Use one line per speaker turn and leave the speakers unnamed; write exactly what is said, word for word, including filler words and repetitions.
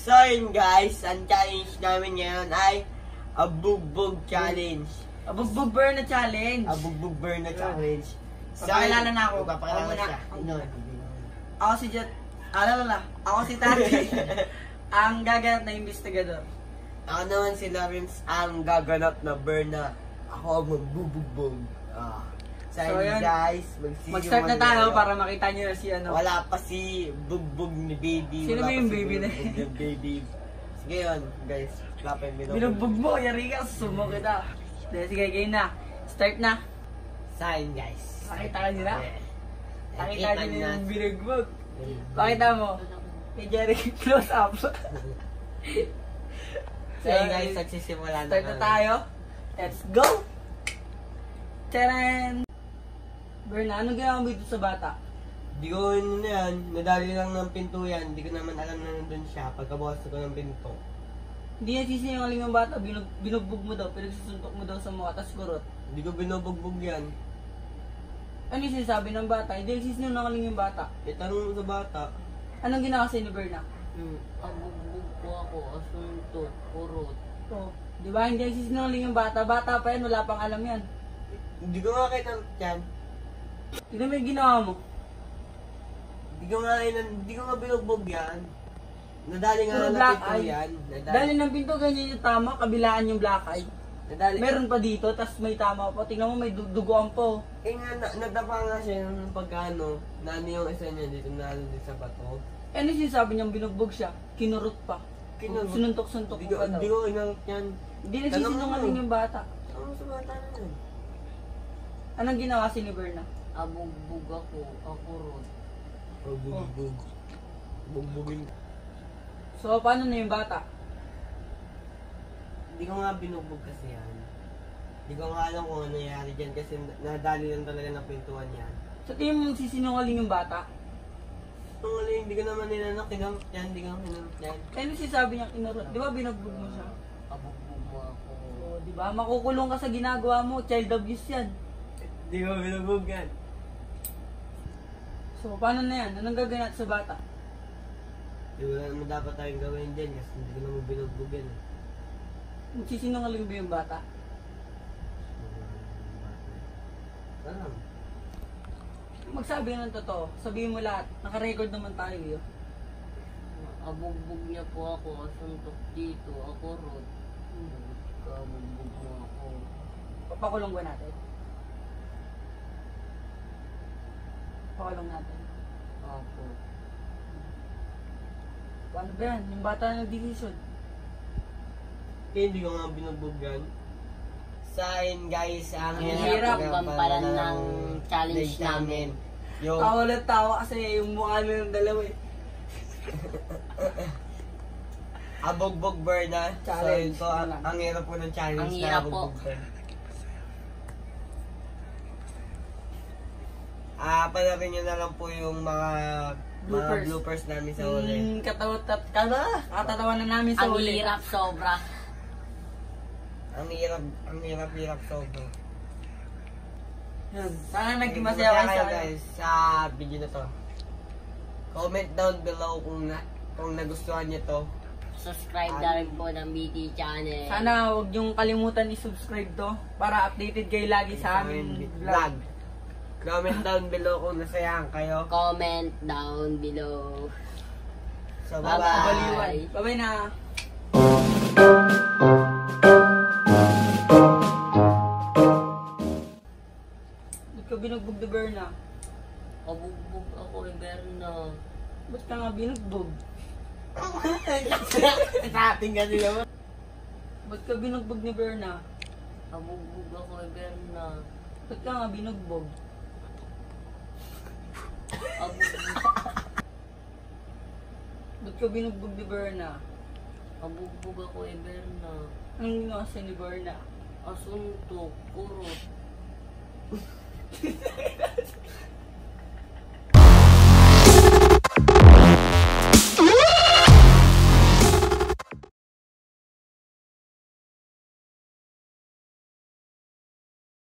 So yun guys, ang challenge namin ngayon ay Abugbog Challenge.
Abugbog Burn na challenge.
Abugbog Burn na challenge.
So, papakilala na ako.
Papakilala
Ako
siya.
muna.
Ano?
Ako si Jet. Alala, ako si Tati. Ang gaganap na investigador.
Ako naman si Lawrence, ang gaganap na burn na ako ang magbubugbog. Ah. So,
So,
yun
yun.
guys,
Mag-start na tayo para makita nyo na si ano.
Wala pa si bugbog ni baby.
Sino
Wala
ba
pa
yung
si
baby na
bugbog ni baby? Sige yun, guys. Wala pa yung binugbog.
Binugbog mo, yari ka, sumo kita. Dahil sige, game na. Start na.
Sign guys.
Pakita ka nila.
Yeah.
Pakita nyo na yung binugbog.
Mm.
Pakita mo. Kay Jerry, close up.
So yun guys, nagsisimula na.
Start na tayo. Let's go! Taran! Berna, ano ginawa mo dito sa bata?
Di ko ano na yan, nadali lang ng pinto yan. Di ko naman alam na nandun siya pagkabukas ko ng pinto.
Hindi na sisinungaling yung bata, binug binugbog mo daw, pinagsusuntok mo daw sa mukha, tas kurot.
Di ko binubugbog yan.
Ano yung sinasabi ng bata? Hindi nagsisinungaling yung bata.
Itanong mo sa bata.
Anong ginawa sa'yo ni Berna?
Hmm, abugbog po ako, asuntot, kurot.
Oh, di ba? Hindi nagsisinungaling yung bata. Bata pa yan, wala pang alam yan.
Di ko nga kinang yan.
Tignan mo yung ginawa mo.
Di ko nga inan, di ko nga binugbog yan. Nadali nga
Puro
lang ng
black
pinto
eye.
yan. Nadali.
Dahil ng pinto, ganyan yung tama, kabilaan yung black eye.
Nadali.
Meron pa dito, tas may tama pa. Tingnan mo, may du duguan po.
Eh nga, na, nadapa nga siya ng pagkano. Nani yung isa niya dito, nalo din sa bato.
Eh, ano sinasabi niyang binugbog siya? Kinurot pa.
Kinurot?
Sinuntok-suntok
Di
mo
ko,
pa daw.
di ko inang yan.
Hindi nagsisinungaling yung bata.
Ano sa bata na yun?
Anong ginawa si ni Berna?
Abugbog ako, akurot.
Oh, bugbog. Bugbugin.
So, paano na yung bata?
Hindi ko nga binugbog kasi yan. Hindi ko nga alam kung ano nangyari dyan kasi nadali lang talaga ng pintuan yan.
Sa tingin mo sisinungaling yung bata?
Ang aling, hindi ko naman ninanak, kinamit yan, hindi ko kinamit yan.
Eh, ano sinasabi niya kinurot? Di ba binugbog mo siya?
Abugbog mo ako.
Oo, di ba? Makukulong ka sa ginagawa mo. Child abuse yan.
Hindi ko binugbog yan.
So, paano na yan? Anong gaganap sa bata?
Di wala naman dapat tayong gawin dyan kasi hindi ko naman binugbog yan. eh.
Magsisinungaling ba yung bata?
Alam.
Magsabi ka ng totoo. Sabihin mo lahat. Naka-record naman tayo yun.
Abugbog niya po ako, asuntok dito, akurot. Abugbog mo ako.
Papakulong ba natin? Pakulong natin.
Ako.
Paano ba yan? Yung bata na nag-decision.
Kaya hindi ko nga binugbog yan. Sa akin guys, ang
Ang
hirap
gampalan ng challenge namin.
Yung
Tawa lang tawa kasi yung mukha nila ng dalawa eh.
Abugbog burn na.
Challenge.
So, ito, ang, ang hirap po ng challenge
Ang
na
hirap
abugbog
po.
burn. Ah, panoorin nyo na lang po yung mga
Bloopers.
mga bloopers namin sa huli.
Yung katawat kada, katatawanan namin sa
Ang
huli.
hirap sobra.
Ang hirap, ang hirap, hirap sobrang.
Yun. Sana naging
Masaya
masaya kayo
kayo
sa
guys sa video na to. Comment down below kung na, kung nagustuhan niyo to.
Subscribe na rin po ng B T channel.
Sana huwag niyong kalimutan i-subscribe to para updated kayo lagi sa aming vlog.
vlog. Comment down below kung nasayahan kayo.
Comment down below.
So,
Bye-bye.
bye-bye.
Bye bye na. Ba't ka binugbog the Berna?
Abugbog ako, Berna.
Ba't ka nga binugbog?
Sa ating kasi naman.
Ba't ka binugbog ni Berna?
Abugbog ako, Berna.
Ba't ka nga binugbog?
Abugbog,
Ba't ka binugbog ni Berna?
abugbog ako, Berna.
Anong ginawa sa'yo ni Berna?
Asuntok, kurot.